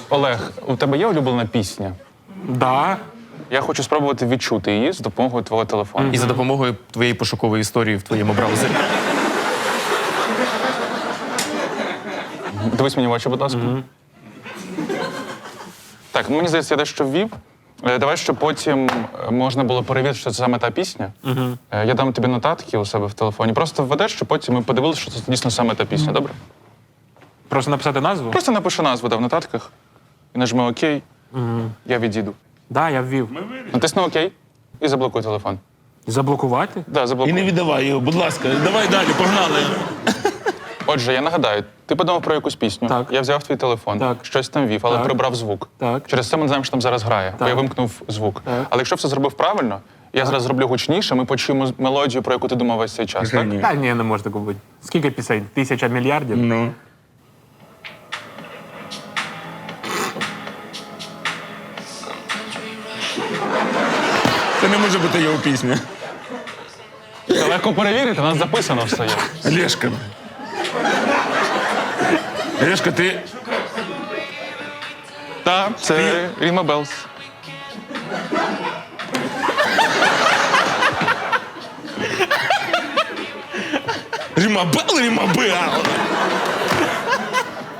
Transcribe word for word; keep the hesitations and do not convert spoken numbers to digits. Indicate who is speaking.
Speaker 1: Олег, у тебе є улюблена пісня?
Speaker 2: Да.
Speaker 1: Я хочу спробувати відчути її з допомогою твого телефону.
Speaker 3: І за допомогою твоєї пошукової історії в твоєму браузері.
Speaker 1: Дивись мені в очі, будь ласка. Так, мені здається, я дещо ввів. Е, Давай, щоб потім е, можна було перевірити, що це саме та пісня. Е, Я дам тобі нотатки у себе в телефоні. Просто введеш, щоб потім ми подивилися, що це дійсно саме та пісня, добре?
Speaker 2: Просто написати назву?
Speaker 1: Просто напиши назву да, в нотатках і нажми ОК. Я відійду.
Speaker 2: Да, я ввів.
Speaker 1: Натисни ОК і заблокуй телефон.
Speaker 2: Заблокувати?
Speaker 1: Да,
Speaker 4: І
Speaker 1: заблокуй.
Speaker 4: не віддавай його, будь ласка. Давай далі, погнали.
Speaker 1: Отже, я нагадаю, ти подумав про якусь пісню.
Speaker 2: Так.
Speaker 1: Я взяв твій телефон,
Speaker 2: Так.
Speaker 1: щось там вів, але
Speaker 2: Так.
Speaker 1: прибрав звук.
Speaker 2: Так.
Speaker 1: Через це ми не знаємо, що там зараз грає, бо
Speaker 2: Так.
Speaker 1: я вимкнув звук.
Speaker 2: Так.
Speaker 1: Але якщо все зробив правильно, я зараз зроблю гучніше, ми почуємо мелодію, про яку ти думав весь цей час. Так?
Speaker 4: Ні.
Speaker 2: Та ні, не може такого бути. Скільки пісень? Тисяча мільярдів?
Speaker 4: Ну. Це не може бути його пісня.
Speaker 1: Це легко перевірити, у нас записано все є.
Speaker 4: Олешка. Олешка, ти...
Speaker 1: Так, це Ріма Белс.
Speaker 4: Рімабел, Рімабел!